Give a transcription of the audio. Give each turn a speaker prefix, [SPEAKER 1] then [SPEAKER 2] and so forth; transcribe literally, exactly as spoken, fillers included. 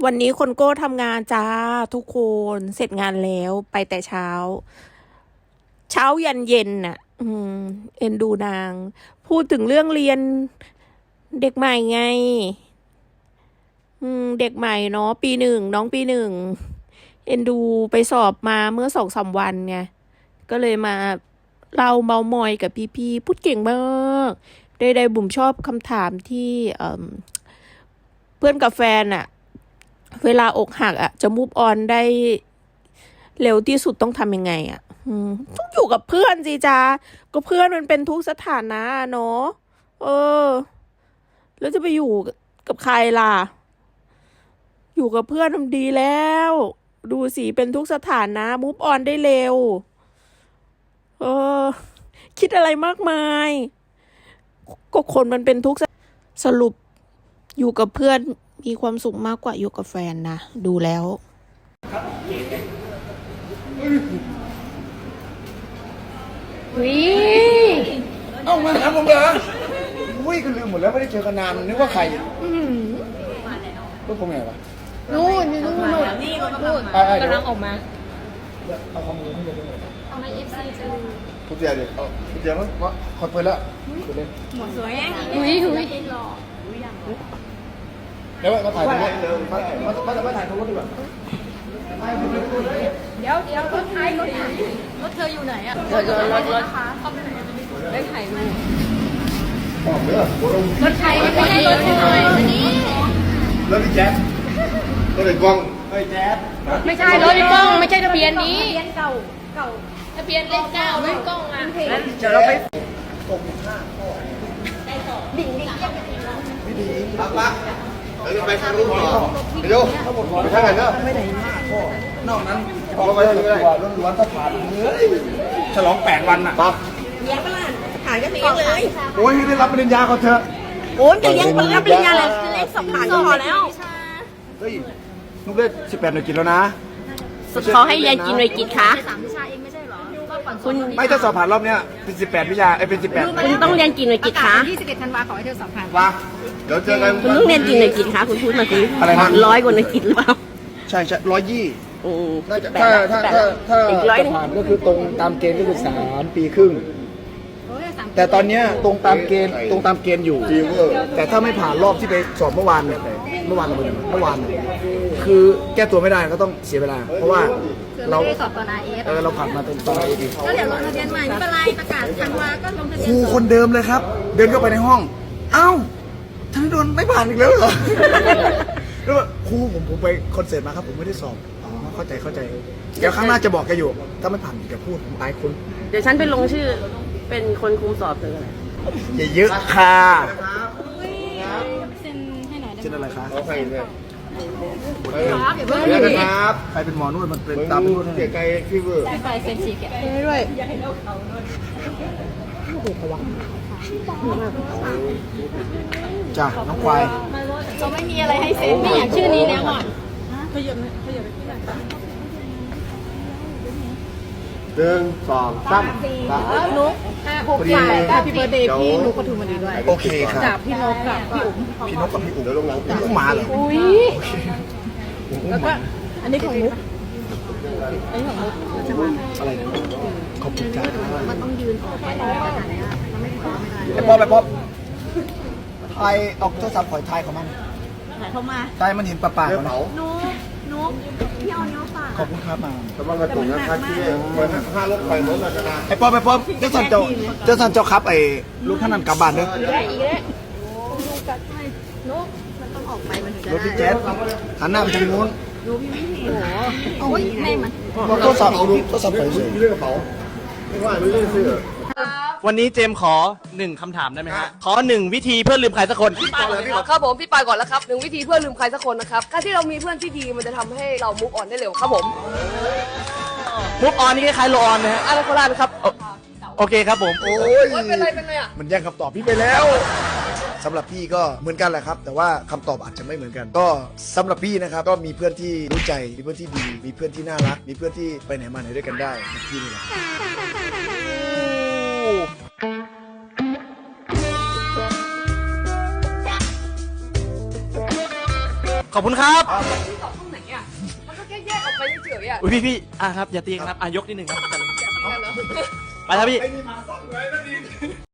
[SPEAKER 1] วันนี้คนโก้ทำงานจ้าทุกคนเสร็จงานแล้วไปแต่เช้า เช้ายันเย็นน่ะ อืม เอ็นดูนาง พูดถึงเรื่องเรียนเด็กใหม่ไง อืม เด็กใหม่เนาะปีหนึ่งน้องปีหนึ่งเอ็นดูไปสอบมาเมื่อสองสามวันไงก็เลยมาเล่าเมามอยกับพี่ๆพูดเก่งมากได้ได้บุ๋มชอบคำถามที่เอ่อเพื่อนกับแฟนอะเวลาอกหักอะจะมูฟออนได้เร็วที่สุดต้องทำยังไงอะอืมต้องอยู่กับเพื่อนสิจ้าก็เพื่อนมันเป็นทุกสถานะเนาะเออ แล้วจะไปอยู่กับใครล่ะ อยู่กับเพื่อนทำดีแล้ว ดูสิเป็นทุกสถานะมูฟออนได้เร็ว เออ คิดอะไรมากมาย ก็คนมันเป็นทุกสรุปอยู่กับเพื่อนมีความสุขมากกว่าอยู่กับแฟนนะ ดูแล้ว
[SPEAKER 2] วิ
[SPEAKER 3] เอ้ามาถามผมเหรออุ้ยก็ลืมหมดแล้วไม่ได้เจอกันนานนึกว่าใครก็ผมไงวะ
[SPEAKER 2] นู่นนู่นนู่นนู่นกำลังออกมา
[SPEAKER 3] เอาข้อมูลให้ดูด้วย
[SPEAKER 2] เอามา เอฟ ซี จะ
[SPEAKER 3] คุณเตียดิเอาคุณเตียมั้งวะคอนเฟิร์มแล้วคุณเล่น
[SPEAKER 2] สวยอุ้ยอุ้ย
[SPEAKER 3] แล้วมาถ่ายตรงนี้มามามามาถ่ายตรงนี้ดีกว่า
[SPEAKER 2] เดี๋ยวเดี๋ยวรถไทยรถไทยรถเธออยู่ไหนอ่ะรถรถรถรถเข้าไปไหนได้ถ่ายรูป
[SPEAKER 3] บอกเด้อ
[SPEAKER 2] รถไทยไม่ใช่รถเธออันนี้
[SPEAKER 3] แล้วพี่แจ๊คก็เลยกล้องเฮ้ยแจ๊ค
[SPEAKER 2] ไม่ใช่รถพี่ก้องไม่ใช่ทะเบียนนี้ทะเบียนเก่าเก่าทะเบียนเลขเก้าไม่ก้องอ่ะ
[SPEAKER 3] เจอเราไปตกห้าข้อ
[SPEAKER 2] ดิ่งดิ่ง
[SPEAKER 3] พี่ดีปั๊บปั๊บเดี๋ยวไปทางรูปต่อเดี๋ยวทั้งหมดไปทางไหนเนาะไม่ได้ห้าข้อนอกนั้นออกไปทางไหนล้วนๆถ้าผ่านเฮ้ยฉลองแปดวันน่ะปั๊บ
[SPEAKER 4] เลี้ยงปลาถ่ายกันเองเลย
[SPEAKER 3] โอ้ยให้ได้รับปริญญาเขาเถอะ
[SPEAKER 4] โอ้ยจะเลี้ยงปลาปริญญาอะไรเลขสองผ่านก็พอแล้ว
[SPEAKER 3] เฮ้ยนุ๊กได้สิบแปดหน่วยกินแล้วนะ
[SPEAKER 4] เขาให้เรียนกินหน่วยกิจคะ
[SPEAKER 2] สามวิชาเองไม่ใช่เหรอก็ก่อน
[SPEAKER 4] คุณ
[SPEAKER 3] ไม่ถ้าสอบผ่านรอบเนี้ยเป็นสิบแปดวิชาไอ้เป็นสิบแปด
[SPEAKER 4] คุณต้องเรียนกินหน่วยกิจคะ
[SPEAKER 2] ยี่สิบเอ็ดธันวาขอให้เธอสอบผ่าน
[SPEAKER 3] ว่าเดี๋ยวเจอกัน
[SPEAKER 4] คุณต้องเรียนกินหน่วยกิจคะคุณพูดมาสิ
[SPEAKER 3] อะไรนะ
[SPEAKER 4] ร้อยกว่าหน่วยกิจหรือเปล่า
[SPEAKER 3] ใช่ใช่ร้อยยี่
[SPEAKER 4] อืม
[SPEAKER 3] น่าจะ
[SPEAKER 4] แป
[SPEAKER 3] ถ้า
[SPEAKER 4] ด
[SPEAKER 3] ถ้า
[SPEAKER 4] แปด
[SPEAKER 3] ถ้าถ้า
[SPEAKER 4] อีกร้อยหนึ่ง
[SPEAKER 3] ผ่านก็คือตรงตามเกณฑ์ก็คือสามปีครึ่ง แต่ตอนเนี้ยตรงตามเกณฑ์ตรงตามเกณฑ์อยู่ แต่ถ้าไม่ผ่านรอบที่ไปสอบเมื่อวานเนี่ยเมื่อวานเราเมื่อวานเนี่ยคือแก้ตัวไม่ได้ก็ต้องเสียเวลา เพราะว่าเรา
[SPEAKER 2] ไม่ได้สอบตอน อาร์ เอฟ
[SPEAKER 3] เออเราผ่านมาเป็นตัวเราดี
[SPEAKER 2] ก็เดี๋ยวลงทะเบียนใหม่ไม่เป็นไรประกาศธันวาก็ลงทะเบี
[SPEAKER 3] ค
[SPEAKER 2] ยน
[SPEAKER 3] รูคนเดิมเลยครับ เดินเข้าไปในห้อง เอ้าธนดลไม่ผ่านอีกแล้วเหรอ แล้วแบบครูผมผมไปคอนเสิร์ตมาครับผมไม่ได้สอบอ๋อเข้าใจเข้าใจเดี๋ยวครั้งหน้าจะบอกแกอยู่ถ้าไม่ผ่านอย่าพูดผมอายคน
[SPEAKER 4] เดี๋ยวฉันไปลงชื่อเป็นคนคุมสอบเธออะไร
[SPEAKER 3] อย่าเยอะค่ะ
[SPEAKER 2] เซ็นให้หน่อยได้
[SPEAKER 3] เช่นอะไรคะ
[SPEAKER 5] เอาใครเนี่ย
[SPEAKER 2] ครับอย่าเพิ่ง
[SPEAKER 5] เดี๋ยวนะครับ
[SPEAKER 3] ใครเป็นหมอนวดมันเป็น
[SPEAKER 5] มึง
[SPEAKER 3] ตามเป็นนวดให้
[SPEAKER 5] เสียใจฟีเวอร์
[SPEAKER 2] ไปเซ็นฉีกแกะ
[SPEAKER 3] จ้ะน้องควาย
[SPEAKER 2] เราไม่มีอะไรให้เซ็นไม่อยากชื่อนี้แล้วก่อน
[SPEAKER 5] หนึ่งสองสามสาม
[SPEAKER 2] นุ๊กห้าหกเจ็ดแปดเก้าพี่เบิร์ดเดย์พี่นุ๊กปทุมวันนี้ด้วย
[SPEAKER 3] โอเคครับ
[SPEAKER 2] จากพี่นกกับพี่อุ๋ม
[SPEAKER 3] พี่นกกับพี่อุ๋ม
[SPEAKER 5] เดี๋ยวลงหลัง
[SPEAKER 3] พี่อุ้มหมาเหรอ
[SPEAKER 2] อุ้ยแล้วก็อันนี้ของนุ๊ก
[SPEAKER 3] อะไรนะขอบคุณจ้า
[SPEAKER 2] มันต้องยืนออกไปในขนาดนี้มันไม่พอไม่ได้
[SPEAKER 3] ไอ้ป๊อปไอ้ป๊อปไทยเอาโทรศัพท์ปล่อยไทยของมัน
[SPEAKER 4] ถ่ายเข้ามา
[SPEAKER 3] ไทยมันเห็นปลาปาก
[SPEAKER 5] เดี๋ยว
[SPEAKER 3] มัน
[SPEAKER 5] เผา
[SPEAKER 4] นุ๊กนุ๊กพี่เอาเนี้ยฝาก
[SPEAKER 3] ขอบคุณครับมา
[SPEAKER 5] แต่ว่ากระตุกนะครับที่เหมือนห้ารถไฟรถราชนา
[SPEAKER 3] ไอ้ป๊อปไอ้ป๊อปเจ้าสันเจ้าเจ้าสันเจ้าครับไอ้ลูกท่านนั้นกลับบ้านเด้อ
[SPEAKER 2] นุ๊กมันต้องออกไปมันถึงจะ
[SPEAKER 3] รถพี่แจ๊ดหันหน้าไปทางนู้น
[SPEAKER 2] โอ้ยในมัน
[SPEAKER 3] เอาโทรศัพท์เอาโทรศัพท์ปล่อยเฉย
[SPEAKER 5] มีเรื่องกระเป๋าไม่ว่าไม่เรื่องเสื้อ
[SPEAKER 6] วันนี้เจมส์ขอหนึ่งคำถามได้ไหมฮะ ขอหนึ่งวิธีเพื่อลืมใครสักคน
[SPEAKER 7] ครับผมพี่ปายก่อนแล้วครับหนึ่งวิธีเพื่อลืมใครสักคนนะครับการที่เรามีเพื่อนที่ดีมันจะทำให้เรามุกออนได้เร็วครับผม
[SPEAKER 6] มุกออนนี่คล้ายๆโลออนนะฮะ
[SPEAKER 7] อะไรโคราชครับ
[SPEAKER 6] โอโอเคครับผม
[SPEAKER 3] โอ้ย
[SPEAKER 7] โอ๊ยเป็นไรเป็นไรอ่ะ
[SPEAKER 3] มันแย่งคำตอบพี่ไปแล้วสำหรับพี่ก็เหมือนกันแหละครับ แต่ว่าคำตอบอาจจะไม่เหมือนกัน ก็สำหรับพี่นะครับก็มีเพื่อนที่รู้ใจมีเพื่อนที่ดี มีเพื่อนที่น่ารัก มีเพื่อนที่ไปไหนมาไหนด้วยกันได้พี่นี่แหละ
[SPEAKER 6] ขอบคุณครับ
[SPEAKER 7] ที่สอบห้องไหนอ่ะมันก็แค่แยกออกไปเฉยๆอ่ะ
[SPEAKER 6] อุ้ยพี่พี่อ่ะครับอย่าตีกันครับอ่ะยกนิดหนึ่งครับ
[SPEAKER 7] กันเหรอ
[SPEAKER 6] ไปครับพี่
[SPEAKER 5] ไอ้นี่มาซ่อมไว้แล้วดิ